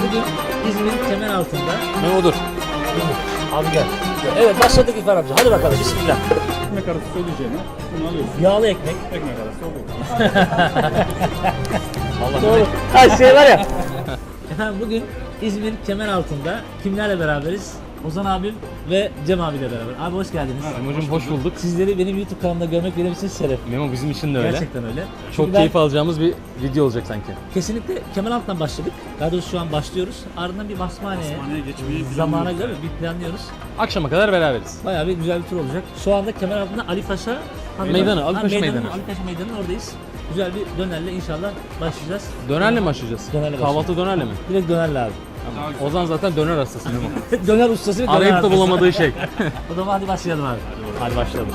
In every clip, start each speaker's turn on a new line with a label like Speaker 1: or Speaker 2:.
Speaker 1: bugün İzmir Kemeraltı'nda.
Speaker 2: Memo'dur.
Speaker 1: Abi gel. Evet başladık İrfan amca. Hadi bakalım bismillah.
Speaker 3: Ekmek arası söyleyeceğine bunu alıyorsun.
Speaker 1: Yağlı ekmek.
Speaker 3: Ekmek arası oluyor.
Speaker 2: Allah
Speaker 1: Doğru. Ha şey var ya. Efendim bugün İzmir Kemeraltı'nda kimlerle beraberiz? Ozan abim ve Cem abiyle beraber. Abi hoş geldiniz.
Speaker 2: Memo'cum hoş bulduk.
Speaker 1: Sizleri benim YouTube kanalımda görmek benim için şeref.
Speaker 2: Memo bizim için de öyle.
Speaker 1: Gerçekten öyle.
Speaker 2: Çok
Speaker 1: Çünkü ben
Speaker 2: keyif alacağımız bir video olacak sanki.
Speaker 1: kesinlikle Kemeraltı'ndan başladık. Daha doğrusu şu an başlıyoruz. Ardından bir Basmane'ye
Speaker 3: Basmane'ye geçmeyi
Speaker 1: zamana
Speaker 3: planlıyoruz
Speaker 1: göre bir planlıyoruz.
Speaker 2: Akşama kadar beraberiz.
Speaker 1: Bayağı bir güzel bir tur olacak. Şu anda Kemeraltı'nda Ali Paşa
Speaker 2: Meydanı, Ali Paşa Meydanı.
Speaker 1: Ali Paşa Meydanı'nın oradayız. Güzel bir dönerle inşallah başlayacağız.
Speaker 2: Dönerle mi açacağız?
Speaker 1: Dönerle
Speaker 2: Kahvaltı dönerle mi?
Speaker 1: Direkt dönerle abi.
Speaker 2: Ozan zaten döner hastası Memo.
Speaker 1: Döner ustası ve döner
Speaker 2: Arayıp da
Speaker 1: hastası.
Speaker 2: bulamadığı şey.
Speaker 1: O zaman hadi başlayalım abi. Hadi başlayalım.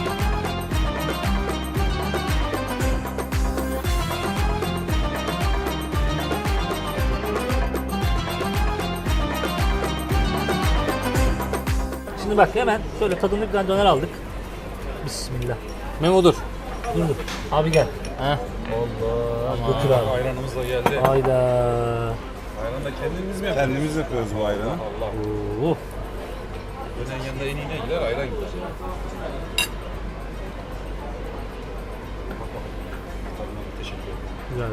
Speaker 1: Şimdi bak hemen şöyle tadımlık bir tane döner aldık. Bismillah.
Speaker 2: Memo'dur.
Speaker 1: Dur dur. Abi gel.
Speaker 2: Heh.
Speaker 1: Allah. Götür abi.
Speaker 3: Ayranımız da geldi.
Speaker 1: Hayda.
Speaker 3: Ayranı da kendimiz mi yapıyoruz?
Speaker 4: Kendimiz yapıyoruz bu ayranı.
Speaker 3: Allah.
Speaker 1: Oo.
Speaker 3: Dönen yanında en iyi ne gider? Ayran gider. Tadına da teşekkür ederim.
Speaker 1: Güzel.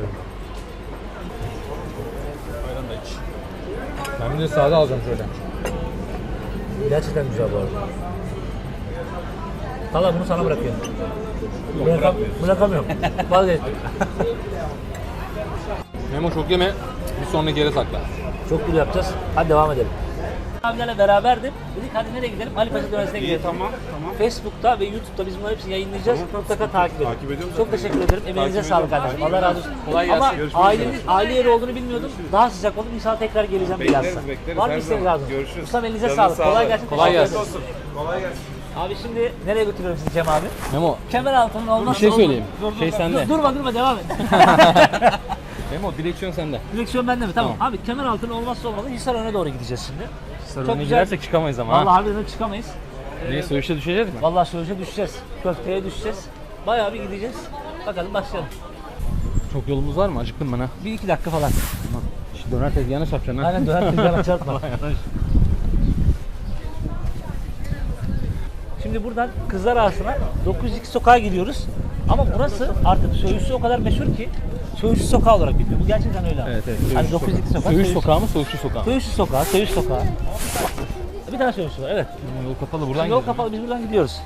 Speaker 3: Ayran da iç.
Speaker 2: Ben bir de sade alacağım şöyle.
Speaker 1: Gerçekten güzel bu arada. Valla bunu sana bırakıyorum. Bırakamıyorum. Vazgeçtim.
Speaker 2: Memo çok yeme. Bir sonraki yere sakla.
Speaker 1: Çok güzel yapacağız. Hadi devam edelim. Abilerle beraberdim. Dedik hadi nereye gidelim? Ali Paşa Döner'e gidelim.
Speaker 4: Tamam.
Speaker 1: Facebook'ta ve YouTube'da biz bunları hepsini yayınlayacağız. Mutlaka takip edin.
Speaker 4: Takip ediyorum
Speaker 1: Çok
Speaker 4: zaten.
Speaker 1: teşekkür ederim. Emeğinize sağlık kardeşim. Allah razı olsun.
Speaker 2: Kolay gelsin.
Speaker 1: Ama
Speaker 4: Görüşmek
Speaker 1: aile yeri olduğunu bilmiyordum. Daha sıcak oldu. İnşallah tekrar geleceğim bilhassa.
Speaker 4: Bekleriz.
Speaker 1: Var mı
Speaker 4: Her
Speaker 1: isteğiniz
Speaker 4: zaman.
Speaker 1: lazım?
Speaker 4: Görüşürüz.
Speaker 1: Ustam elinize
Speaker 4: Canınız
Speaker 1: sağlık.
Speaker 4: sağ
Speaker 1: Kolay
Speaker 4: olun.
Speaker 1: gelsin.
Speaker 2: Kolay
Speaker 1: Teşekkür
Speaker 2: gelsin.
Speaker 1: ederim.
Speaker 4: Kolay gelsin.
Speaker 1: Abi şimdi nereye götürüyorum sizi Cem abi?
Speaker 2: Memo
Speaker 1: Kemeraltı'nın olmazsa
Speaker 2: bir şey
Speaker 1: olmaz.
Speaker 2: söyleyeyim. Şey sende.
Speaker 1: Durma devam et.
Speaker 2: Memo direksiyon sende.
Speaker 1: Direksiyon bende mi? Tamam. Abi Kemeraltı'nın olmazsa olmazı Hisarön'e doğru gideceğiz şimdi.
Speaker 2: Sarı
Speaker 1: Çok
Speaker 2: önüne
Speaker 1: güzel.
Speaker 2: girersek çıkamayız ama
Speaker 1: Vallahi
Speaker 2: ha.
Speaker 1: harbiden çıkamayız.
Speaker 2: Niye söğüşe düşeceğiz mi?
Speaker 1: Vallahi söğüşe düşeceğiz. Köfteye düşeceğiz. Bayağı bir gideceğiz. Bakalım başlayalım.
Speaker 2: Çok yolumuz var mı? Acıktım ben ha.
Speaker 1: 1-2 dakika falan.
Speaker 2: Şu döner tezgahına çarpacaksın ha.
Speaker 1: Aynen döner tezgahına çarpma. Şimdi buradan Kızlar Ağası'na 902 sokağa gidiyoruz. Ama burası artık söğüşçü o kadar meşhur ki söğüşçü sokağı olarak biliniyor. Bu gerçekten öyle abi.
Speaker 2: Evet evet.
Speaker 1: Hani 902 sokak.
Speaker 2: Söğüş sokağı mı? Söğüşçü sokağı mı?
Speaker 1: Söğüşçü sokağı, söğüş sokağı. Bir tane söğüşçü var evet.
Speaker 2: Yol kapalı buradan
Speaker 1: Yol
Speaker 2: gidelim.
Speaker 1: kapalı biz buradan gidiyoruz.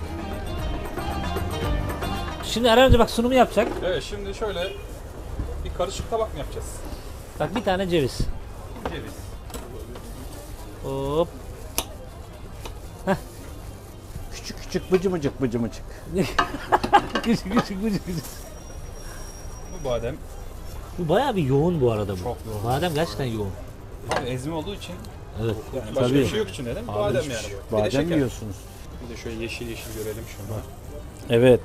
Speaker 1: Şimdi Eren önce bak sunumu yapacak.
Speaker 3: Evet şimdi şöyle bir karışık tabak mı yapacağız?
Speaker 1: Bak bir tane ceviz.
Speaker 3: Ceviz.
Speaker 1: Hop.
Speaker 4: Küçük bıcımıcık.
Speaker 1: küçük.
Speaker 3: Bu badem.
Speaker 1: Bu bayağı bir yoğun bu arada bu.
Speaker 3: Çok yoğun.
Speaker 1: Badem gerçekten yoğun.
Speaker 3: Abi ezme olduğu için
Speaker 1: Evet.
Speaker 3: yani başka bir şey yok içinde değil mi? Badem yani. Bu. Bir de
Speaker 4: Badem
Speaker 3: şeker.
Speaker 4: yiyorsunuz.
Speaker 3: Bir de şöyle yeşil görelim şunu.
Speaker 4: Evet.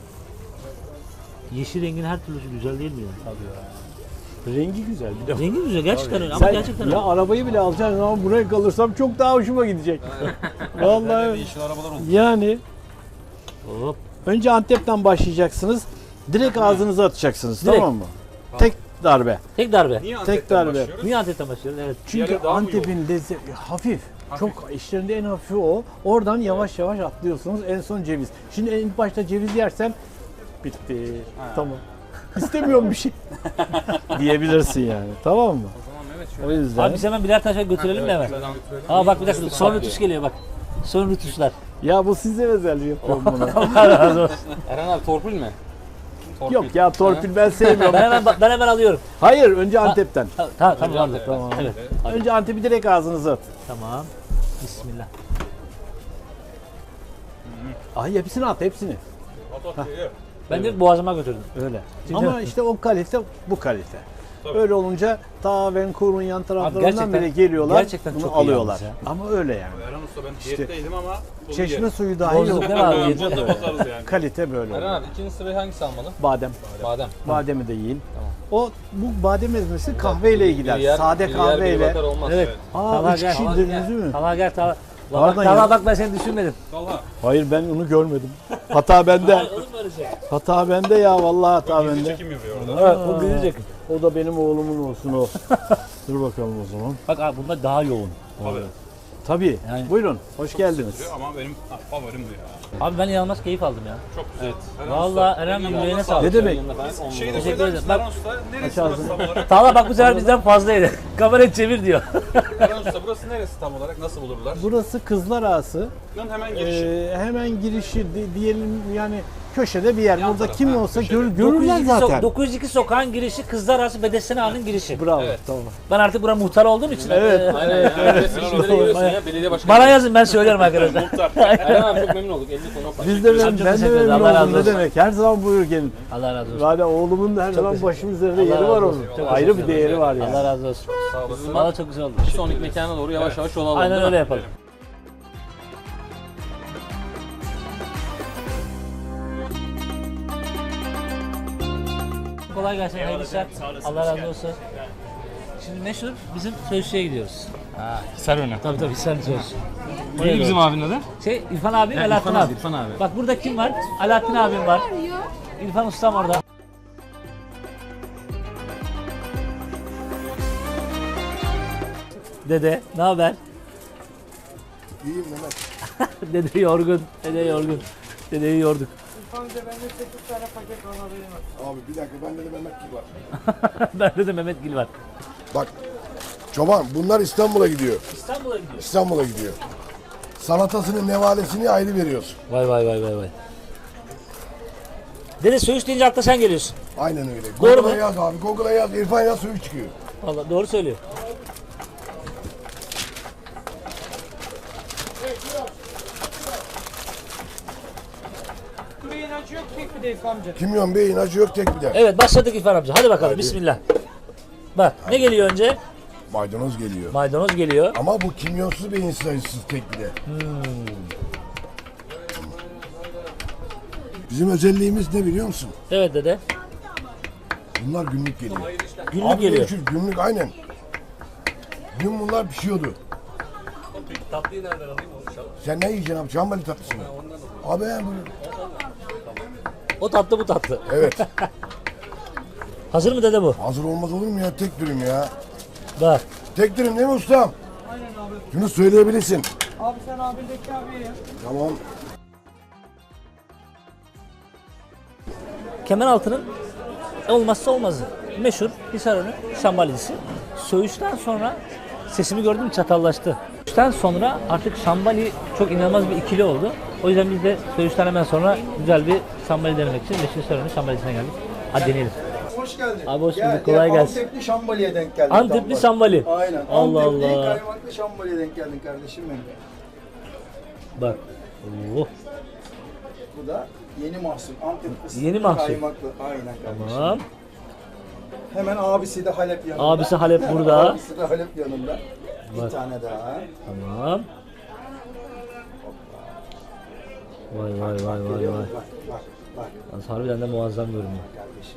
Speaker 1: Yeşil rengin her türlüsü güzel değil mi ya?
Speaker 4: Rengi güzel bir de.
Speaker 1: Rengi güzel gerçekten öyle ama
Speaker 4: Sen
Speaker 1: gerçekten
Speaker 4: ya
Speaker 1: öyle.
Speaker 4: arabayı bile alacaksın ama buraya kalırsam çok daha hoşuma gidecek. Vallahi
Speaker 3: Yeşil arabalar oldu.
Speaker 4: yani
Speaker 1: Hop.
Speaker 4: önce Antep'ten başlayacaksınız. Direkt ağzınıza atacaksınız
Speaker 1: Direkt.
Speaker 4: tamam mı? Tek darbe.
Speaker 1: Tek darbe.
Speaker 3: Niye
Speaker 4: Tek
Speaker 3: Antep'ten
Speaker 4: darbe.
Speaker 3: başlıyoruz?
Speaker 1: Niye Antep'ten başlıyoruz? Evet.
Speaker 4: Çünkü
Speaker 3: Diğeri daha mı
Speaker 4: Antep'in lezzeti hafif. Çok işlerinde en hafifi o. Oradan yavaş yavaş atlıyorsunuz. En son ceviz. Şimdi ilk başta ceviz yersem bitti. Tamam. İstemiyorum bir şey. Diyebilirsin yani. Tamam mı?
Speaker 3: Tamam evet
Speaker 4: O
Speaker 3: şöyle.
Speaker 4: yüzden.
Speaker 1: Abi biz hemen birer taşa götürelim mi hemen? Aa bak bir dakika son rütuş geliyor bak. Son rütuşlar.
Speaker 4: Ya bu size özel yapıyorum bunu.
Speaker 1: Allah razı olsun.
Speaker 2: Eren abi torpil mi? Torpil.
Speaker 4: Yok ya torpil ben sevmiyorum.
Speaker 1: Ben hemen alıyorum.
Speaker 4: Hayır önce Antep'ten.
Speaker 1: Tamam.
Speaker 4: Tamam.
Speaker 1: Evet.
Speaker 4: Önce Antep'i direkt ağzınıza at.
Speaker 1: Tamam. Bismillah.
Speaker 4: Ay hepsini at hepsini.
Speaker 1: Ben de boğazıma götürdüm.
Speaker 4: Öyle.
Speaker 1: Şimdi-
Speaker 4: Ama işte o kalite bu kalite. Öyle olunca ta Vancouver'un yan taraflarından
Speaker 1: gerçekten-
Speaker 4: bile geliyorlar.
Speaker 1: gerçekten
Speaker 4: bunu
Speaker 1: çok iyi
Speaker 4: alıyorlar.
Speaker 1: yalnız ya.
Speaker 4: Ama öyle yani.
Speaker 3: Eren Usta ben diyetteydim ama bunu
Speaker 4: Çeşme
Speaker 3: yerim.
Speaker 4: suyu dahi
Speaker 1: Bozduk
Speaker 4: yok.
Speaker 1: değil mi abi? Yeter.
Speaker 3: Bunu da bozarız yani.
Speaker 4: Kalite böyle.
Speaker 2: Eren abi ikinci sırayı hangisi almalı?
Speaker 4: Badem.
Speaker 2: Badem.
Speaker 4: Bademi de yiyin.
Speaker 2: Tamam.
Speaker 4: O bu badem ezmesi kahveyle gider. Sade kahveyle.
Speaker 2: Olmaz.
Speaker 1: Evet.
Speaker 4: Aa
Speaker 1: Talha
Speaker 4: 3
Speaker 1: gel.
Speaker 4: kişi indiniz değil mi?
Speaker 1: Talha gel Talha.
Speaker 4: Pardon
Speaker 1: Talha
Speaker 4: ya.
Speaker 1: bak ben seni düşünmedim.
Speaker 3: Talha.
Speaker 4: Hayır ben onu görmedim. Hata bende.
Speaker 1: Olur mu öyle şey?
Speaker 4: Hata bende ya vallahi hata
Speaker 3: Gizli
Speaker 4: bende.
Speaker 3: çekim yapıyor orada.
Speaker 1: Evet o bilecek.
Speaker 4: O da benim oğlumun olsun o. Dur bakalım o zaman.
Speaker 1: Bak abi bunda daha yoğun.
Speaker 4: Tabii.
Speaker 1: Yani-
Speaker 4: Buyurun. Hoş geldiniz.
Speaker 3: Ama benim favorim bu ya.
Speaker 1: Abi ben inanılmaz keyif aldım ya.
Speaker 3: Çok güzel. Evet.
Speaker 1: Vallahi Eren Bey yüreğine sağlık.
Speaker 4: Ne demek?
Speaker 3: Şeyi de
Speaker 1: Teşekkür
Speaker 3: söyler
Speaker 1: ederim.
Speaker 3: misin?
Speaker 1: Bak-
Speaker 3: Eren Usta neresi
Speaker 4: Aç
Speaker 3: burası
Speaker 4: ağzını.
Speaker 3: tam olarak?
Speaker 1: Tağla bak bu sefer bizden fazlaydı. Kamerayı çevir diyor.
Speaker 3: Eren Usta burası neresi tam olarak? Nasıl bulurlar?
Speaker 4: Burası Kızlar Ağası.
Speaker 3: Bunun hemen girişi.
Speaker 4: Hemen girişi diyelim yani köşede bir yer.
Speaker 3: Yan
Speaker 4: Burada
Speaker 3: taraf,
Speaker 4: kim
Speaker 3: ha,
Speaker 4: olsa
Speaker 3: köşede.
Speaker 4: görürler zaten.
Speaker 1: 902 sokağın girişi Kızlar Arası Bedesten Ağa'nın girişi.
Speaker 4: Bravo.
Speaker 3: Evet.
Speaker 4: Tamam.
Speaker 1: Ben artık buranın muhtarı olduğum için.
Speaker 4: Evet.
Speaker 2: Aynen ya. Resimlere giriyorsun ya. Belediye başkanı.
Speaker 1: Bana yazın ben söylerim arkadaşlar.
Speaker 2: Eren abi çok memnun olduk. Eline koluna sağlık.
Speaker 4: Biz de
Speaker 1: Çok
Speaker 4: ben de
Speaker 1: teşekkür ederim.
Speaker 4: memnun
Speaker 1: Allah razı
Speaker 4: oldum. Ne
Speaker 1: olsun.
Speaker 4: demek? Her zaman buyur gelin.
Speaker 1: Allah razı olsun.
Speaker 4: Yani oğlumun da her zaman
Speaker 1: teşekkür
Speaker 4: başım üzerinde
Speaker 1: Allah
Speaker 4: yeri
Speaker 1: razı
Speaker 4: var
Speaker 1: olsun.
Speaker 4: onun.
Speaker 1: Çok
Speaker 4: Ayrı bir değeri var yani.
Speaker 1: Allah razı olsun.
Speaker 3: Sağ olasın.
Speaker 1: Valla çok güzel oldu.
Speaker 2: Bir sonraki mekana doğru yavaş yavaş yol alalım.
Speaker 1: Aynen
Speaker 2: değil mi?
Speaker 1: öyle yapalım. Kolay gelsin, hayırlı işler. Allah razı olsun. Şimdi meşhur bizim söğüşçüye gidiyoruz.
Speaker 2: Hisar önü.
Speaker 1: Tabii tabii sen söğüş.
Speaker 2: Neydi bizim abinin adı?
Speaker 1: İrfan abi, Alaaddin
Speaker 2: İrfan
Speaker 1: abi.
Speaker 2: abi, İrfan abi.
Speaker 1: Bak burada kim var? Alaaddin abim var. İrfan ustam orada. Dede, ne haber?
Speaker 5: İyiyim Mehmet.
Speaker 1: Dede yorgun, dede yorgun. Dedeyi yorduk.
Speaker 5: Abi bir dakika bende de Mehmet gibi var.
Speaker 1: Bende de Mehmet Gil var.
Speaker 5: Bak çoban bunlar İstanbul'a gidiyor.
Speaker 1: İstanbul'a gidiyor.
Speaker 5: İstanbul'a gidiyor. Salatasını, nevalesini ayrı veriyorsun.
Speaker 1: Vay vay vay vay vay. Dede söğüş deyince akla sen geliyorsun.
Speaker 5: Aynen öyle.
Speaker 1: Doğru
Speaker 5: Google'a
Speaker 1: mu?
Speaker 5: yaz abi. Google'a yaz. İrfan yaz suyu çıkıyor.
Speaker 1: Vallahi doğru söylüyor.
Speaker 5: Kimyon beyin acı yok tek bir de.
Speaker 1: Evet başladık İrfan amca. Hadi bakalım bismillah. Bak ne geliyor önce?
Speaker 5: Maydanoz geliyor.
Speaker 1: Maydanoz geliyor.
Speaker 5: Ama bu kimyonsuz beyinsiz acısız tek bir de. Bizim özelliğimiz ne biliyor musun?
Speaker 1: Evet dede.
Speaker 5: Bunlar günlük geliyor.
Speaker 1: Günlük
Speaker 5: Abi
Speaker 1: geliyor.
Speaker 5: ölçü, günlük aynen. Dün bunlar pişiyordu.
Speaker 2: Tatlıyı nereden alayım onu?
Speaker 5: Sen ne yiyeceksin abi? Çambali tatlısını. Abi bu.
Speaker 1: O tatlı bu tatlı.
Speaker 5: Evet.
Speaker 1: Hazır mı dede bu?
Speaker 5: Hazır olmaz olur mu ya? Tek dürüm ya.
Speaker 1: Bak.
Speaker 5: Tek dürüm değil mi ustam? Aynen abi. Şunu söyleyebilirsin.
Speaker 6: Abi sen abindeki abiye ya.
Speaker 5: Tamam.
Speaker 1: Kemeraltı'nın olmazsa olmazı. Meşhur Hisarönü şambalisi. Söğüşten sonra sesimi gördüm çatallaştı. Söğüşten sonra artık şambali çok inanılmaz bir ikili oldu. O yüzden biz de söğüşten hemen sonra güzel bir şambali denemek için meşhur Hisarönü şambalisine geldik. Hadi deneyelim.
Speaker 6: Hoş geldin.
Speaker 1: Abi hoş bulduk, kolay gelsin.
Speaker 6: Antepli şambaliye denk geldin.
Speaker 1: Antepli
Speaker 6: tam
Speaker 1: şambali.
Speaker 6: bak. Aynen.
Speaker 1: Allah
Speaker 6: Antepli
Speaker 1: Allah.
Speaker 6: kaymaklı şambaliye denk geldin kardeşim benim.
Speaker 1: Bak. Oh.
Speaker 6: Bu da yeni mahsul. Antep fıstıklı
Speaker 1: Yeni mahsul.
Speaker 6: kaymaklı. Aynen kardeşim.
Speaker 1: Tamam.
Speaker 6: Hemen abisi de Halep yanında.
Speaker 1: Abisi Halep burada.
Speaker 6: Abisi de Halep yanında.
Speaker 1: Bak.
Speaker 6: Bir tane daha.
Speaker 1: Tamam. Vay vay vay vay
Speaker 6: Geliyor
Speaker 1: vay.
Speaker 6: mu? Bak bak bak
Speaker 1: Yalnız harbiden de muazzam görünüyor.
Speaker 6: kardeşim.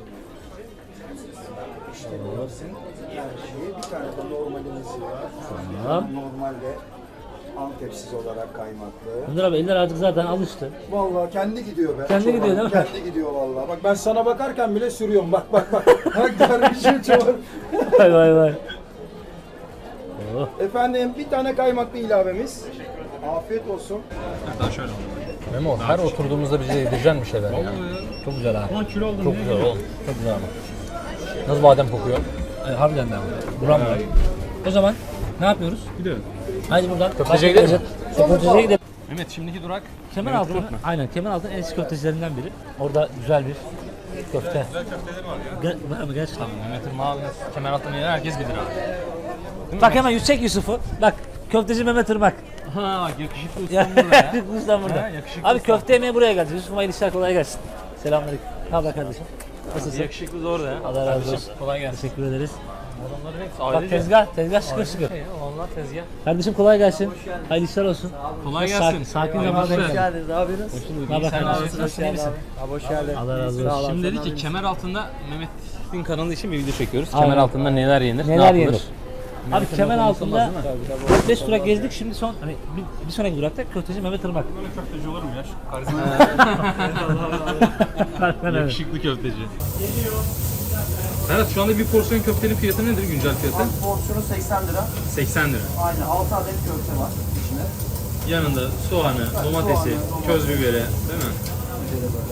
Speaker 6: İşte bilirsin. Her şeyi bir tane de normalimiz var.
Speaker 1: Tamam.
Speaker 6: Normalde Antepsiz olarak kaymaklı.
Speaker 1: Bunlar abi eller artık zaten alıştı.
Speaker 6: Vallahi kendi gidiyor be.
Speaker 1: Kendi
Speaker 6: Çoban,
Speaker 1: gidiyor değil mi?
Speaker 6: Kendi gidiyor vallahi. Bak ben sana bakarken bile sürüyorum. Bak bak bak. Bak dervişim çoban.
Speaker 1: Vay vay vay. Oh.
Speaker 6: Efendim bir tane kaymaklı ilavemiz. Afiyet olsun.
Speaker 2: Memo her oturduğumuzda bize yedireceksin bir şeyler ya.
Speaker 1: Çok güzel ha.
Speaker 2: 10 kilo oldum. Çok güzel oğlum. Çok güzel ama. Nasıl badem kokuyor?
Speaker 1: Harbiden de ama. Buram var. O zaman ne yapıyoruz?
Speaker 2: Gidiyorum.
Speaker 1: Haydi buradan.
Speaker 2: Köfteciye gidelim mi?
Speaker 1: Köfteciye gidelim.
Speaker 2: Mehmet şimdiki durak.
Speaker 1: Kemeraltı'nın, aynen Kemeraltı'nın en eski köftecilerinden biri. Orada güzel bir köfte. Var mı gerçekten?
Speaker 2: Mehmet'in mavi Kemeraltı'nın yeri herkes bilir abi.
Speaker 1: Bak hemen yüksek Yusuf'u. Bak köfteci Mehmet Irmak.
Speaker 2: Ha bak yakışıklı
Speaker 1: Ya,
Speaker 2: ustam burada ya.
Speaker 1: Ustam burada.
Speaker 2: Ha, yakışıklı
Speaker 1: Abi
Speaker 2: ustam.
Speaker 1: köfte yemeye buraya geldik. Yusuf'um hayırlı işler kolay gelsin. Selamünaleyküm. Ne haber kardeşim? Nasılsın?
Speaker 2: Yakışıklı zor ya.
Speaker 1: Allah razı olsun.
Speaker 2: Kolay gelsin.
Speaker 1: Teşekkür ederiz.
Speaker 2: Adamların hepsi
Speaker 1: Bak
Speaker 2: ailece.
Speaker 1: tezgah şıkır şıkır.
Speaker 2: Şey ya, onlar tezgah.
Speaker 1: Kardeşim kolay gelsin. Hayırlı işler olsun.
Speaker 2: Kolay
Speaker 1: Sakin,
Speaker 2: gelsin.
Speaker 1: sakin
Speaker 2: Hayırlı
Speaker 1: zamanda
Speaker 2: işler.
Speaker 1: gelsin.
Speaker 6: geldiniz. Ne yapıyorsunuz?
Speaker 1: Ne haber
Speaker 2: Sen
Speaker 1: kardeşim?
Speaker 2: nasılsın? Nasılsın? İyi misin?
Speaker 6: Abi hoş geldin.
Speaker 1: Allah razı olsun.
Speaker 2: Şimdi dedik ki kemer altında Mehmet'in kanalı için bir video çekiyoruz.
Speaker 1: Aynen.
Speaker 2: Kemer altında neler yenir,
Speaker 1: Neler
Speaker 2: ne yapılır?
Speaker 1: yenir? Abi kemer altında 4-5 durak gezdik. Şimdi son hani bir sonraki durakta köfteci Mehmet Irmak.
Speaker 3: Böyle köfteci olur mu ya? Şu karizma.
Speaker 1: Aynen öyle.
Speaker 2: Yakışıklı köfteci.
Speaker 3: Serhat şu anda bir porsiyon köftenin fiyatı nedir? Güncel fiyatı?
Speaker 7: Porsiyonu 80 lira.
Speaker 3: 80 lira.
Speaker 7: Aynen 6 adet köfte var içinde.
Speaker 3: Yanında soğanı, domatesi, köz biberi değil mi?
Speaker 7: Şöyle böyle.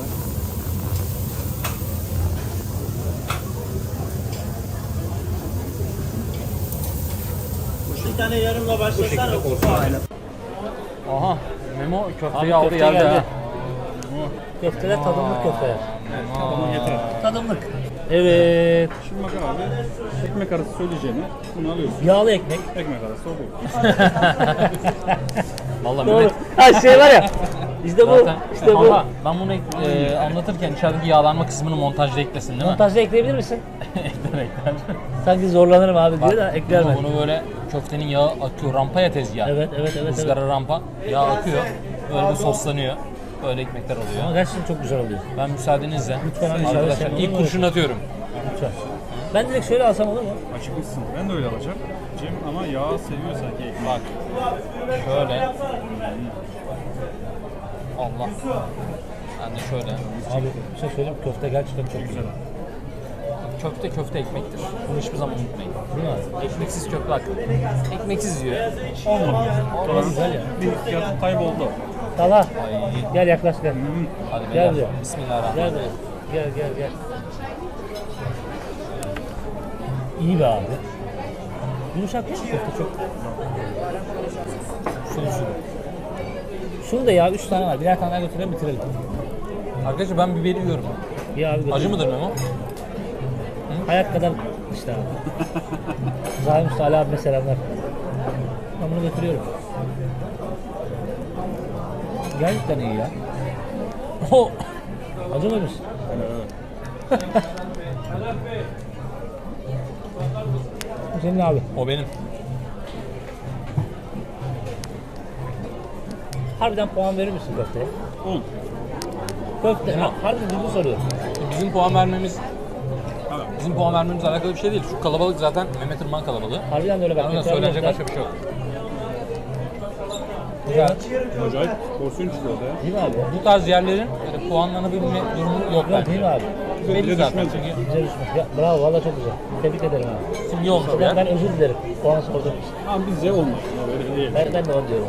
Speaker 7: Bir tane yarımla başlasana. Aynen.
Speaker 2: Aha. Memo köfteyi
Speaker 1: Abi
Speaker 2: aldı
Speaker 1: köfte
Speaker 2: geldi.
Speaker 1: geldi.
Speaker 2: ha.
Speaker 1: Köfteler tadımlık köfteler.
Speaker 2: Aa.
Speaker 1: Tadımlık. Evet.
Speaker 6: Şimdi bak abi, ekmek arası söyleyeceğini bunu alıyorsun.
Speaker 1: Yağlı ekmek.
Speaker 6: Ekmek arası o bu.
Speaker 2: Vallahi
Speaker 1: Doğru.
Speaker 2: Mehmet.
Speaker 1: Ha şey var ya. İşte bu.
Speaker 2: Zaten
Speaker 1: İşte bu.
Speaker 2: Ama ben bunu anlatırken içerideki yağlanma kısmını montajda eklesin değil mi?
Speaker 1: Montajda ekleyebilir misin?
Speaker 2: Ekler ekler.
Speaker 1: Sanki zorlanırım abi diyor da ekler
Speaker 2: Ama
Speaker 1: ben.
Speaker 2: bunu böyle köftenin yağı akıyor. Rampa ya tezgah.
Speaker 1: Evet evet evet. evet.
Speaker 2: Izgara rampa. Yağ akıyor. Böyle bir soslanıyor. Böyle ekmekler oluyor.
Speaker 1: Ama gerçekten çok güzel oluyor.
Speaker 2: Ben müsaadenizle
Speaker 1: Lütfen abi, müsaade
Speaker 2: arkadaşlar
Speaker 1: sen.
Speaker 2: ilk kurşun atıyorum.
Speaker 1: Lütfen. Ben direkt şöyle alsam olur mu?
Speaker 6: Açıkmışsın. Ben de öyle alacağım. Cem ama yağ seviyor sanki ekmek.
Speaker 2: Bak. Şöyle. Allah. Ben de şöyle.
Speaker 1: Abi bir şey söyleyeyim köfte gerçekten çok güzel.
Speaker 2: Köfte köfte ekmektir. Bunu hiçbir zaman unutmayın.
Speaker 1: Değil mi abi?
Speaker 2: Ekmeksiz köfte hakkı. Ekmeksiz yiyor.
Speaker 1: Olmaz güzel ya.
Speaker 6: Bir fiyatı kayboldu.
Speaker 1: Tala.
Speaker 2: Ay.
Speaker 1: Gel yaklaş gel.
Speaker 2: Hadi
Speaker 1: Gel
Speaker 2: beyler.
Speaker 1: buraya.
Speaker 2: Bismillahirrahmanirrahim.
Speaker 1: Gel buraya. Gel gel gel. İyi be abi. Yumuşak değil mi köfte çok? Şunu. Şunu da ya 3 tane var. Birer tane daha götürelim bitirelim.
Speaker 2: Arkadaşlar ben biberi yiyorum.
Speaker 1: Bir abi götürelim.
Speaker 2: Acı mıdır Memo?
Speaker 1: Hayat kadar işte abi. Zahim Usta Ali abime selamlar. Ben bunu götürüyorum. Gerçekten iyi ya.
Speaker 2: Oh.
Speaker 1: Acı mıymış? Senin abi.
Speaker 2: O benim.
Speaker 1: Harbiden puan verir misin köfteye?
Speaker 6: 10.
Speaker 1: Köfte. Ha, harbiden ciddi soruyorum.
Speaker 2: Bizim puan vermemizle alakalı bir şey değil. Şu kalabalık zaten Mehmet Irmak kalabalığı.
Speaker 1: Harbiden de öyle bak.
Speaker 2: Yani söylenecek başka bir şey yok.
Speaker 1: Güzel.
Speaker 6: Acayip porsiyon çıkıyor da ya.
Speaker 1: Değil mi abi?
Speaker 2: Bu tarz yerlerin böyle puanlanabilme durumu yok
Speaker 1: Yok
Speaker 2: bence.
Speaker 1: değil mi abi?
Speaker 2: Belli zaten
Speaker 6: düşmez.
Speaker 2: çünkü
Speaker 1: Güzel düşmüş. Ya, bravo valla çok güzel. Tebrik ederim abi.
Speaker 2: simge olmuş bir yer.
Speaker 1: Ben özür dilerim. Puan sorduğum için.
Speaker 6: Ama bizce olmaz. Ya böyle değil.
Speaker 1: Ben de onu diyorum.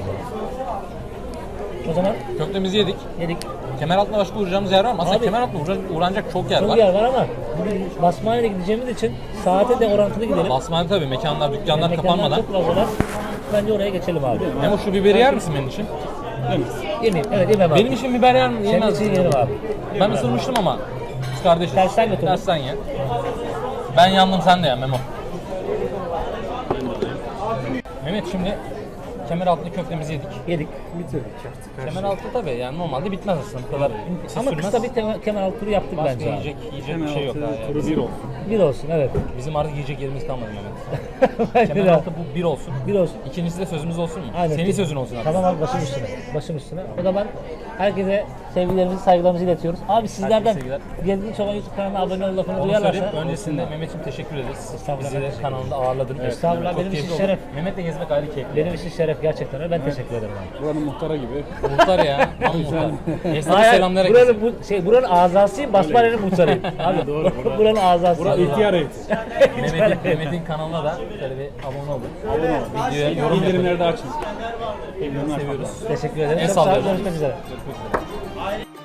Speaker 1: O zaman
Speaker 2: Köftemizi yedik.
Speaker 1: yedik.
Speaker 2: Kemeraltı'na başka uğrayacağımız yer var mı? Aslında
Speaker 1: Abi-
Speaker 2: Kemeraltı'na uğranacak çok yer
Speaker 1: Çok
Speaker 2: var.
Speaker 1: yer var ama bugün Basmane'ye gideceğimiz için saate de orantılı gidelim.
Speaker 2: Basmane tabii mekanlar, dükkanlar
Speaker 1: Mekanlar
Speaker 2: kapanmadan.
Speaker 1: çok fazlalar. Bence oraya geçelim abi.
Speaker 2: Memo şu biberi yer misin benim için?
Speaker 1: Yemeyeyim. Evet yemem abi.
Speaker 2: Benim için biber yer mi?
Speaker 1: Senin
Speaker 2: Yemez.
Speaker 1: için yerim abi.
Speaker 2: Ben ısırmıştım ama. Biz kardeşiz.
Speaker 1: Tersten götür.
Speaker 2: Tersten ye. Ben yandım sen de ye Memo. Mehmet şimdi Kemeraltı'nda köftemizi yedik.
Speaker 1: Yedik.
Speaker 2: Kemeraltı tabii yani normalde bitmez aslında bu kadar.
Speaker 1: Ama kısa bir kemer altı turu yaptık
Speaker 2: Başka
Speaker 1: bence abi.
Speaker 2: yiyecek bir şey yok. Ha,
Speaker 6: Turu 1 olsun.
Speaker 1: Bir olsun evet.
Speaker 2: Bizim artık yiyecek yerimiz kalmadı Mehmet.
Speaker 1: Bence de.
Speaker 2: Kemeraltı bu bir olsun.
Speaker 1: Bir olsun.
Speaker 2: İkincisi de sözümüz olsun mu?
Speaker 1: Aynen.
Speaker 2: Senin sözün olsun abi.
Speaker 1: Tamam abi başım üstüne. Başım üstüne. O zaman herkese sevgilerimizi, saygılarımızı iletiyoruz. Abi sizlerden
Speaker 2: sevgiler.
Speaker 1: Geldiğin Çoban YouTube kanalına abone ol lafını
Speaker 2: Onu
Speaker 1: duyarlarsa.
Speaker 2: söyleyeyim. Öncesinde Mehmet'ciğim teşekkür ederiz.
Speaker 1: Estağfurullah.
Speaker 2: Bizi de kanalında ağırladın.
Speaker 1: Estağfurullah,
Speaker 2: Çok
Speaker 1: benim için
Speaker 2: keyifli oldu.
Speaker 1: şeref.
Speaker 2: Mehmet'le gezmek ayrı keyifli.
Speaker 1: Benim için şeref gerçekten öyle. Ben teşekkür ederim abi.
Speaker 6: Buranın muhtara gibi.
Speaker 2: Muhtar ya. Tam muhtar. Esnaf'a
Speaker 1: Hayır,
Speaker 2: selamlar
Speaker 1: buranın, buranın azasıyım, Basmane'nin muhtarıyım. Abi,
Speaker 6: doğru,
Speaker 1: buranın azası.
Speaker 6: Bura ihtiyar eğitim.
Speaker 2: Mehmet'in kanalına da şöyle bir abone olun. Videoya yorum yapın.
Speaker 6: Bildirimleri de açın. Bildirimler
Speaker 2: Seviyoruz.
Speaker 1: Teşekkür ederim.
Speaker 2: El
Speaker 1: Çok sağ olun.
Speaker 2: sallıyorum.
Speaker 1: Görüşmek üzere.